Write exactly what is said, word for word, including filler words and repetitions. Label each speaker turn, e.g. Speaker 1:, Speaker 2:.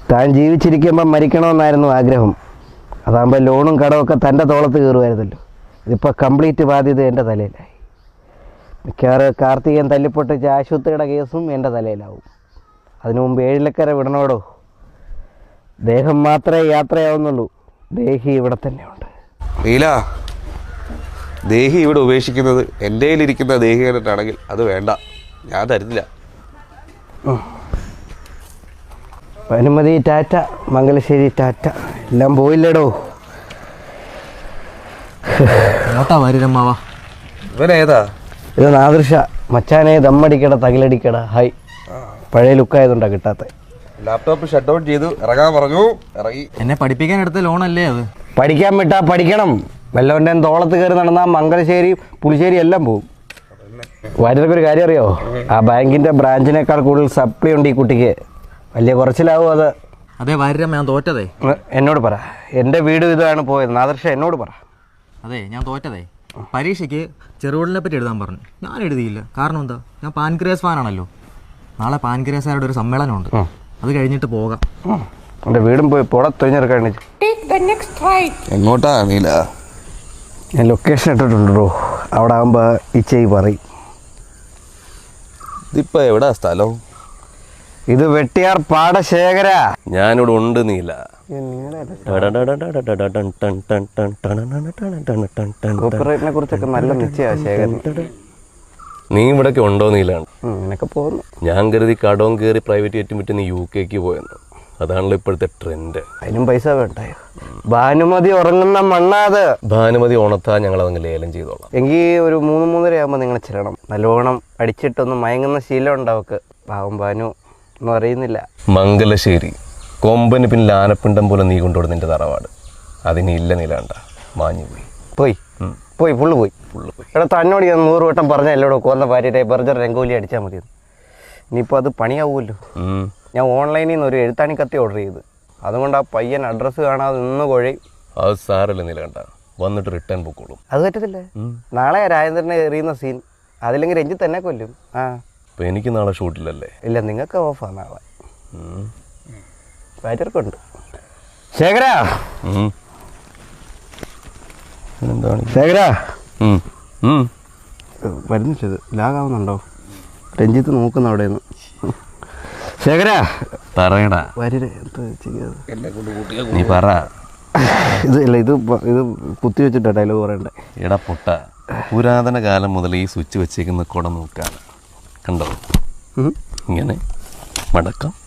Speaker 1: താൻ ജീവിച്ചിരിക്കുമ്പം മരിക്കണമെന്നായിരുന്നു ആഗ്രഹം. അതാകുമ്പോൾ ലോണും കടമൊക്കെ തൻ്റെ തോളത്ത് കയറുമായിരുന്നല്ലോ. ഇതിപ്പോൾ കംപ്ലീറ്റ് ബാധ്യത എൻ്റെ തലയിലായി. മിക്കവാറും കാർത്തികൻ തല്ലിപ്പൊട്ടിച്ച ആശുപത്രിയുടെ കേസും എൻ്റെ തലയിലാവും. അതിനു മുമ്പ് ഏഴിലക്കര വിടണോടോ. ദേഹം മാത്രമേ യാത്രയാവുന്നുള്ളൂ, ദേഹി ഇവിടെ തന്നെയുണ്ട്.
Speaker 2: നീല, ദേഹി ഇവിടെ ഉപേക്ഷിക്കുന്നത് എൻ്റെ കയ്യിലിരിക്കുന്ന ദേഹി കണ്ടിട്ടാണെങ്കിൽ അത് വേണ്ട, ഞാൻ തരുന്നില്ല.
Speaker 1: അനുമതി ടാറ്റ, മംഗലശ്ശേരി ടാറ്റ, എല്ലാം പോയില്ലേടോ.
Speaker 2: ഇവനേതാ?
Speaker 1: ഇത് നാദൃശ മച്ചാനെ, ദമ്മടിക്കട തകിലടിക്കട. ഹായ്, പഴയ ലുക്കായതുകൊണ്ടാ കിട്ടാത്ത.
Speaker 2: ലാപ്ടോപ്പ് ഷട്ട് ഡൗൺ ചെയ്തു ഇറങ്ങാൻ പറഞ്ഞു, ഇറങ്ങി.
Speaker 3: എന്നെ പഠിപ്പിക്കാൻ എടുത്ത ലോണല്ലേ അത്?
Speaker 1: പഠിക്കാൻ വിട്ടാ പഠിക്കണം. വല്ലവൻ്റെ തോളത്ത് കയറി നടന്നാൽ മംഗലശ്ശേരി പുളിശ്ശേരി എല്ലാം പോകും. വാര്യർക്ക് ഒരു കാര്യം അറിയോ? ആ ബാങ്കിൻ്റെ ബ്രാഞ്ചിനേക്കാൾ കൂടുതൽ സപ്ലി ഉണ്ട് ഈ കുട്ടിക്ക്. വലിയ കുറച്ചിലാവും അത്.
Speaker 3: അതെ വാര്യമ്മ, ഞാൻ തോറ്റതേ.
Speaker 1: എന്നോട് പറ, എൻ്റെ വീട് ഇതാണ് പോയത്. നാദർഷ എന്നോട് പറ.
Speaker 3: അതെ, ഞാൻ തോറ്റതേ. പരീക്ഷയ്ക്ക് ചെറുകോളിനെ പറ്റി എഴുതാൻ പറഞ്ഞു, ഞാൻ എഴുതിയില്ല. കാരണം എന്താ? ഞാൻ പാൻക്രിയാസ് ഫാനാണല്ലോ. നാളെ പാൻക്രിയാസുകാരുടെ ഒരു സമ്മേളനമുണ്ട്, അത് കഴിഞ്ഞിട്ട് പോകാം.
Speaker 1: എൻ്റെ വീടും പോയി പുറത്തൊഴിഞ്ഞെടുക്കാൻ.
Speaker 2: എങ്ങോട്ടാ നീല?
Speaker 1: ഞാൻ ലൊക്കേഷൻ ഇട്ടിട്ടുണ്ടോ, അവിടെ ആകുമ്പോൾ ഇച്ചയി പറയും.
Speaker 2: ഇതിപ്പോൾ എവിടാ സ്ഥലം?
Speaker 1: ഇത് വെട്ടിയാർ പാടശേഖര.
Speaker 2: ഞാനിവിടെ ഉണ്ട് നീല.
Speaker 1: കോപ്പിറൈറ്റിനെ കുറിച്ചൊക്കെ നല്ല നിശ്ചയമാണ് ശേഖരൻ.
Speaker 2: നീ ഇവിടൊക്കെ ഉണ്ടോ നീലാണ്?
Speaker 1: ഇങ്ങനെയൊക്കെ പോകുന്നു.
Speaker 2: ഞാൻ കരുതി കടവും കയറി പ്രൈവറ്റ് ജെറ്റും വിറ്റ് നീ യു കെക്ക് പോയെന്ന്. അതാണല്ലോ ഇപ്പോഴത്തെ ട്രെൻഡ്.
Speaker 1: അതിനും പൈസ വേണ്ടായോ? ഭാനുമതി ഉറങ്ങുന്ന മണ്ണാത്.
Speaker 2: ഭാനുമതി ഉണത്താ ഞങ്ങളതങ്ങ് ലേലം ചെയ്തോളാം.
Speaker 1: എങ്കിൽ ഒരു മൂന്ന് മൂന്നര ആകുമ്പോൾ നിങ്ങൾ ചെല്ലണം. നല്ലോണം അടിച്ചിട്ടൊന്ന് മയങ്ങുന്ന ശീലം ഉണ്ടാവക്ക്. പാവം ഭാനു ഒന്നും അറിയുന്നില്ല.
Speaker 2: മംഗലശ്ശേരി കൊമ്പന് പിന്നിൽ ആനപ്പിണ്ടം പോലെ നീ കൊണ്ടുപോയി നിന്റെ തറവാട്. അതിന് ഇല്ല നീലാണ്ട, മാഞ്ഞു പോയി
Speaker 1: പോയി പോയി ഫുള്ള് പോയി ഫുള്ള് പോയി എടാ, തന്നോട് ഞാൻ നൂറ് വട്ടം പറഞ്ഞ എല്ലോടോ കോർന്ന ഭാര്യയുടെ ബർജർ രംഗോലി അടിച്ചാൽ മതിയെന്ന്. ഇനിയിപ്പോൾ അത് പണിയാവുമല്ലോ. ഞാൻ ഓൺലൈനിൽ നിന്ന് ഒരു എഴുത്താണി കത്തി ഓർഡർ ചെയ്ത്, അതുകൊണ്ട് ആ പയ്യൻ അഡ്രസ്സ് കാണാതെ നിന്ന് കുഴയും.
Speaker 2: അത് സാരല്ല നീലകണ്ട, വന്നിട്ട് റിട്ടേൺ പൊക്കോളും.
Speaker 1: അത് പറ്റത്തില്ല. നാളെ രാജേന്ദ്രനെ എറിയുന്ന സീൻ, അതില്ലെങ്കിൽ രഞ്ജിത്ത് തന്നെ കൊല്ലും. ആ
Speaker 2: അപ്പോൾ എനിക്ക് നാളെ ഷൂട്ടില്ലല്ലേ?
Speaker 1: ഇല്ല, നിങ്ങൾക്ക് ഓഫാണ് നാളെ. ഭാര്യർക്കുണ്ട്. ശേഖര
Speaker 2: എന്താണ്
Speaker 1: ശേഖര
Speaker 2: വരുന്നു?
Speaker 1: ചെയ്ത് ലാഗാവുന്നുണ്ടോ? രഞ്ജിത്ത് നോക്കുന്ന അവിടെ നിന്ന്. ശേഖര
Speaker 2: പറയടാ.
Speaker 1: ഭാര്യരെ എന്താ ചെയ്യാതെ
Speaker 2: നീ പറ.
Speaker 1: ഇത് ഇല്ല, ഇത് ഇത് കുത്തി വെച്ചിട്ടാ ഡയലോഗ് പറയണ്ടേ.
Speaker 2: എടാ പൊട്ട, പുരാതന കാലം മുതൽ ഈ സ്വിച്ച് വെച്ചേക്കുന്ന കുട നോക്കാണ്. കണ്ടോ? ഇങ്ങനെ മടക്കം